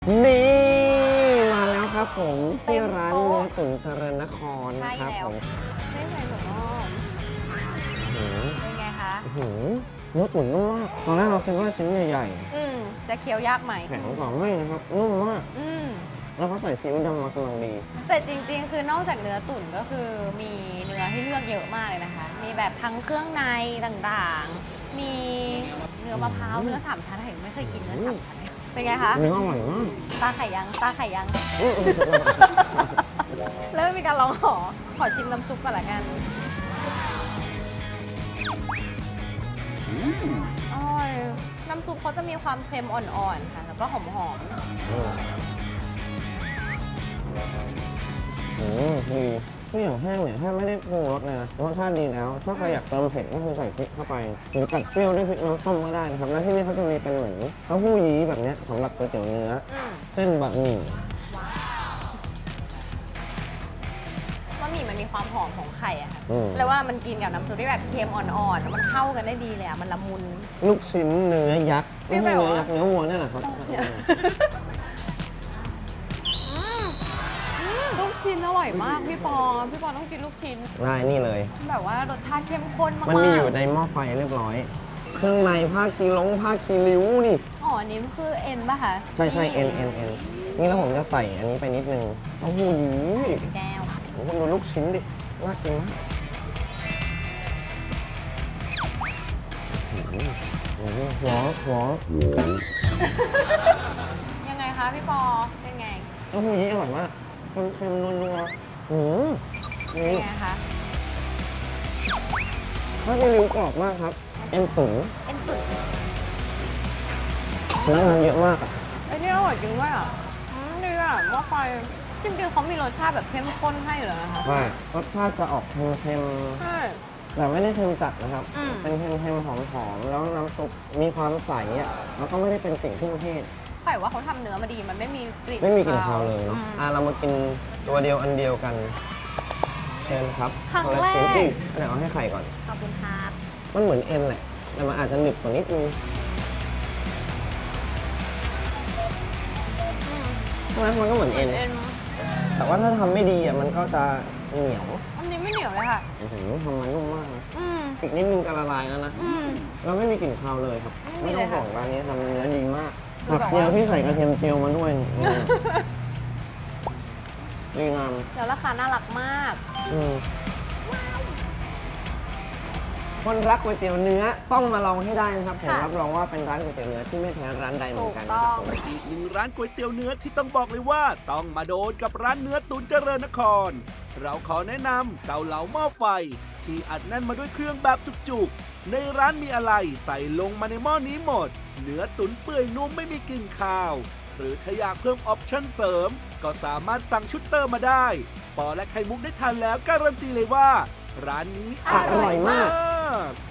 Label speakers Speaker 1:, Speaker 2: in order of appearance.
Speaker 1: นี่มาแล้วครับผมที่ร้านเนื้อตุ๋นเจริญนครนะครับผม
Speaker 2: ไม่ใส่ถั่วงอก
Speaker 1: หืม
Speaker 2: เป็นไงคะ
Speaker 1: หืมเนื้อตุ๋นนุ่มมากตอนแรกเราคิดว่าชิ้นใหญ่
Speaker 2: จะเคี้ยวยากไหม
Speaker 1: ๆแข็งกว่าไม่นะครับนุ่มมากแล้วเขาใส่ซีอิ๊วดำมากำลังดี
Speaker 2: แต่จริงๆ คือนอกจากเนื้อตุ๋นก็คือมีเนื้อให้เลือกเยอะมากเลยนะคะ มีแบบทั้งเครื่องในต่างๆ มีเนื้อมะพร้าวเนื้อสามชั้นเห็นไม่เคยกินเนื้อสามชั้นเลยเป็นไงคะ
Speaker 1: เนื้ออร่อยมาก
Speaker 2: ตาไข่ยังตาไข่ยัง
Speaker 1: อื้อ
Speaker 2: เริ่มมีการร้องขอชิมน้ำซุปก่อนละกันอร่อยน้ำซุปเขาจะมีความเค็มอ่อนๆค่ะ แล้วก็หอม
Speaker 1: ดีทุกอย่างแห้งเนี่ยแทบไม่ได้ปรุงรสเลยนะรสชาติดีแล้ว ถ้าใครอยากเติมเผ็ดก็คือใส่พริกเข้าไปหรือตัดเปรี้ยวด้วยพริกน้ำส้มก็ได้นะครับแล้วที่นี่เขาจะมีเป็นเหมือนเต้าหู้ยี้แบบเนี้ยสำหรับก๋วยเตี๋ยวเนื้อ
Speaker 2: ๆ
Speaker 1: เส้นบะหมี่
Speaker 2: บะหมี่มันมีความหอมของไข่อะค่ะ
Speaker 1: อืม
Speaker 2: แล้วว่ามันกินกับน้ำซุปที่แบบเค็มอ่อนๆแล้วมันเข้ากันได้ดีเลยอะมันละมุน
Speaker 1: ลูกชิ้นเนื้อยักษ์
Speaker 2: ไม่
Speaker 1: ไม่
Speaker 2: ใช่
Speaker 1: ใช่
Speaker 2: เหรอ
Speaker 1: เนื้อยักษ์เนื้อวัวเนี่ยแหละครับ
Speaker 2: ลูกชิ้นอร่อยมากพี่ปอต้องกินลูกชิ้น
Speaker 1: ได้นี่เลย
Speaker 2: แบบว่ารสชาติเข้มข้นมากๆ
Speaker 1: มันมีอยู่ในหม้อไฟเรียบร้อย เครื่องในผ้าคีริ้วนี่
Speaker 2: อ๋ออันนี้มันคือเอ็นป่ะคะ
Speaker 1: ใช่เอ็นนี่แล้วผมจะใส่อันนี้ไปนิดนึงเต้าหู้ยี้
Speaker 2: แก้ว
Speaker 1: โอ้โหดูลูกชิ้นดิน่ากินมากหัว
Speaker 2: ยังไงคะพี่ปอเป็นไง
Speaker 1: เต้าหู้ยี้อร่อยมากเค็มๆนัวๆ
Speaker 2: เป็น
Speaker 1: นี่
Speaker 2: ไงคะ
Speaker 1: ผ้าคีริ้วกรอบมากครับเอ็นตุ๋น
Speaker 2: เอ็นตุ๋น
Speaker 1: น้ำมันเยอะมากอะ
Speaker 2: ไอ้นี่อร่อยจริงด้วยอ่ะดีอ่ะหม้อไฟจริงๆเขามีรสชาติแบบเข้มข้นให้อยู่แล้วนะคะ
Speaker 1: ว่ารสชาติจะออกเค็ม
Speaker 2: ใช่
Speaker 1: ๆแต่ไม่ได้เค็มจัดนะครับ เป็นเค็มๆหอมๆแล้วน้ำซุปมีความใสอ่ะแล้วก็ไม่ได้เป็นกลิ่นเครื่องเทศ
Speaker 2: ไข่ว่าเขาทำเนื้อมาดีมันไม่มีกลิ่น
Speaker 1: ไม่มีกลิ่นคาวเลยเนาะเรามากินตัวเดียวอันเดียวกัน เชิญครับ
Speaker 2: ครั้ง
Speaker 1: คนละ
Speaker 2: แร
Speaker 1: ชิ้น
Speaker 2: ก
Speaker 1: เดี๋ยวเอาให้ไข่ก่อน
Speaker 2: ขอบคุณครับ
Speaker 1: มันเหมือนเอ็นแหละ แต่มันอาจจะหนึบกว่านิดนึงใช่ไหมมันก็เหมือนเอ็น แต่ว่าถ้าทำไม่ดีอ่ะมันก็จะเหนียว
Speaker 2: อันนี้ไม่เหนียวเลยค่ะ
Speaker 1: โอ้โหทำมันนุ่มมากนะ
Speaker 2: อืม
Speaker 1: อีกนิดนึงจะละลายแล้วนะ
Speaker 2: อืม
Speaker 1: เราไม่มีกลิ่นคาวเลยครับ
Speaker 2: ไม่
Speaker 1: ไม่
Speaker 2: มี
Speaker 1: ต้อง
Speaker 2: เลย
Speaker 1: ห่
Speaker 2: ค่ะ
Speaker 1: วงร้านนี้ทำเนื้อดีมาก
Speaker 2: คือ
Speaker 1: ผัก
Speaker 2: แบบ
Speaker 1: เจียว
Speaker 2: ว่า
Speaker 1: ที่ใส่กระเทียมเจียวมาด้วยดีงาม
Speaker 2: แล้วราคาน่ารักมาก
Speaker 1: คนรักก๋วยเตี๋ยวเนื้อต้องมาลองให้ได้นะครับผม
Speaker 2: ค่ะ
Speaker 1: รับรองว่าเป็นร้านก๋วยเตี๋ยวเนื้อที่ไม่แพ้ร้านใดเหมื
Speaker 2: ถู
Speaker 1: อน
Speaker 2: ก
Speaker 1: กัน
Speaker 2: ต้
Speaker 1: นะค
Speaker 2: อ
Speaker 1: รับ
Speaker 2: ง
Speaker 1: ผม
Speaker 3: อีกหนึ่งร้านก๋วยเตี๋ยวเนื้อที่ต้องบอกเลยว่าต้องมาโดนกับร้านเนื้อตุ๋นเจริญนคร เราขอแนะนำเกาเหลาหม้อไฟ ที่อัดแน่นมาด้วยเครื่องแบบจุกๆ ในร้านมีอะไรใส่ลงมาในหม้อนี้หมด เนื้อตุ๋นเปื่อยนุ่มไม่มีกลิ่นคาว หรือถ้าอยากเพิ่มออปชั่นเสริม ก็สามารถสั่งชุดเติมมาได้ ปอและไข่มุกได้ทานแล้วการันตีเลยว่า ร้านนี้
Speaker 1: อร่อยมาก
Speaker 3: ก